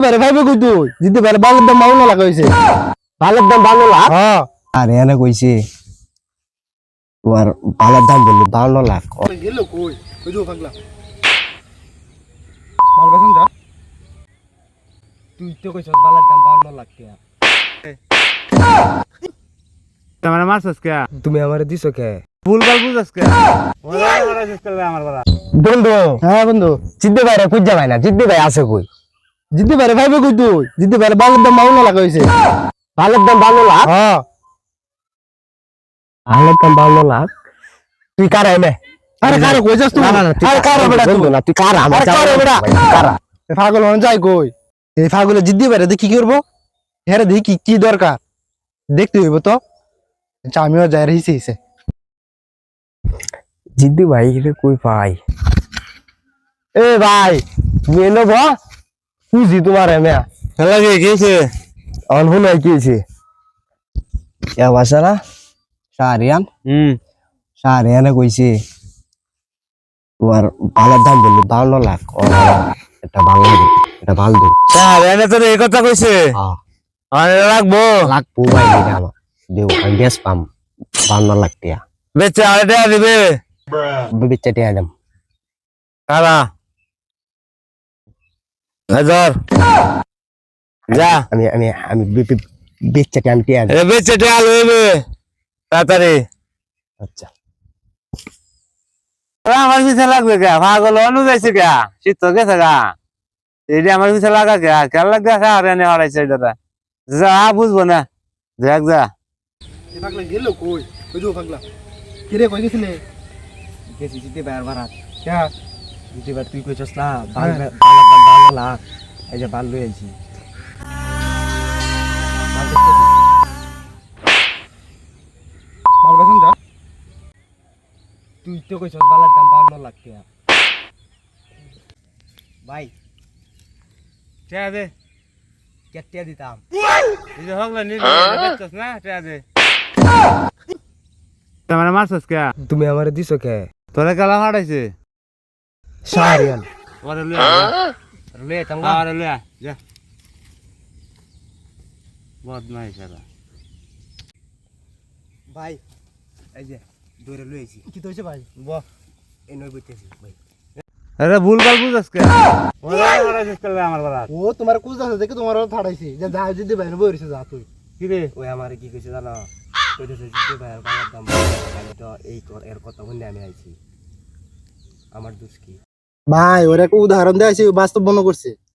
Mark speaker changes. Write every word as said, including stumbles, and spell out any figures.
Speaker 1: পারে ভাইবে কই তুই জিততে পারে বালের দাম বাউন্ন লাখ হইছে
Speaker 2: বালের দাম বাউন্ন লাখ
Speaker 1: হ্যাঁ
Speaker 2: আরে এনে কইছে তোমার বালের দাম বললি বাউন্ন লাখ
Speaker 1: গেল কই কই দো পাগলা মাল বেচন যা
Speaker 2: তুই তো কইছস বালের দাম বাউন্ন লাখ টাকা
Speaker 3: তোমার মারছস কে
Speaker 2: তুমি আমারে দিছো কে
Speaker 3: ভুল ভাল বুঝছস কে ওরা মারাছিস কে আমার বলা
Speaker 2: বন্ধু
Speaker 1: হ্যাঁ বন্ধু
Speaker 2: জিদ্দি ভাই রে খুঁজা ভাই না জিদ্দি ভাই আছে কই
Speaker 1: জিততে পারে ভাইবে কই তুই জিততে পারে বালের দাম বাউন্ন লাখ হইছে
Speaker 2: বালের দাম বাউন্ন লাখ
Speaker 1: হ্যাঁ
Speaker 2: বালের দাম বাউন্ন লাখ তুই কারা এনে
Speaker 1: আরে কারে কই যাস তুই
Speaker 2: না না না তুই
Speaker 1: আরে কারে বেটা
Speaker 2: বন্ধু
Speaker 1: তুই
Speaker 2: না তুই কারা আমার
Speaker 1: আরে কারে বেটা?
Speaker 2: কারা
Speaker 1: এ পাগল হন যাই কই এই পাগলে জিদ্দি পারে দেখি কি করবো হ্যাঁ দেখি কি কি দরকার দেখতে হইব তো আচ্ছা আমিও যাই রইছি এসে
Speaker 2: জিদ্দি ভাই রে কই পাই এ ভাই তুমি এলো বা খুঁজি তোমার এমে
Speaker 3: লাগে গেছে
Speaker 2: অনহু নাই কিছে কে বাসারা সারিয়ান
Speaker 3: হুম
Speaker 2: সারিয়ানে কইছে তোমার বালের দাম বললি বাউন্ন লাখ এটা ভালো এটা ভালো দিন
Speaker 3: স্যার এনে তো এই কথা কইছে
Speaker 2: হ্যাঁ
Speaker 3: আরে রাখবো
Speaker 2: লাখ পুবাই দিটা আমার দেও আমি বেশ পাম বাউন্ন লাখ টিয়া
Speaker 3: বেচে আড়াইটা দিবে
Speaker 2: বিবিচ্চা টিয়া দাম
Speaker 3: কারা হাজার যা
Speaker 2: আমি আমি আমি বিবিচ্চা টিয়া আমি টিয়া
Speaker 3: এ বেচে টা লইবে তাড়াতাড়ি
Speaker 2: আচ্ছা
Speaker 3: আমার পিছে লাগবে কে পাগল অনু যাইছে কে শীত তো গেছে গা এইটা আমার পিছে লাগা কে কেন লাগবে আর এনে হারাইছে এটা যা বুঝবো না দেখ যা
Speaker 1: এ পাগলা গেল কই কই দো পাগলা কি রে কই গেছিলে
Speaker 2: গেছি জিতে বাইর বারাত
Speaker 1: কে
Speaker 2: জিতে বার তুই কইছস না বাল
Speaker 1: হ্যাঁ।
Speaker 2: বালের দাম বাউন্ন লাখ এই যে বাল লই আইছি
Speaker 1: মাল বেচন যা
Speaker 2: তুই তো কইছস বালের দাম বাউন্ন লাখ টাকা ভাই
Speaker 3: টা দে
Speaker 2: কেটিয়া দিতাম
Speaker 3: এই যে হগলা নি বেচছস না টা দে তোমার মারছস কে
Speaker 2: তুমি আমারে দিছো কে
Speaker 3: তোরে কালা হারাইছে
Speaker 2: সারিয়ান
Speaker 3: ওরে লইয়া
Speaker 2: লে
Speaker 3: যা
Speaker 2: তাঙ্গা
Speaker 3: আরে লইয়া যা বদমাইশ শালা
Speaker 2: ভাই এই যে দৌড়ে লই আইছি
Speaker 1: কি হইছে ভাই
Speaker 2: বাহ এই নই বইতেছি ভাই
Speaker 3: আরে ভুল ভাল বুঝছস কে ওরে মারাছিস কে আমার বলা
Speaker 1: ও তোমার কুজ আছে দেখে তোমার থাড়াইছি যে যা জিদ্দি ভাই বইরিছে যা তুই
Speaker 3: কি রে
Speaker 2: ওই আমারে কি কইছে জানো কইতেছে জিতে ভাই আর বাবার দাম আমি তো এই কর এর কথা শুনে আমি আইছি আমার দোষ কি
Speaker 1: ভাই ওর একটা উদাহরণ দেয়াইছি বাস্তব মনে করছে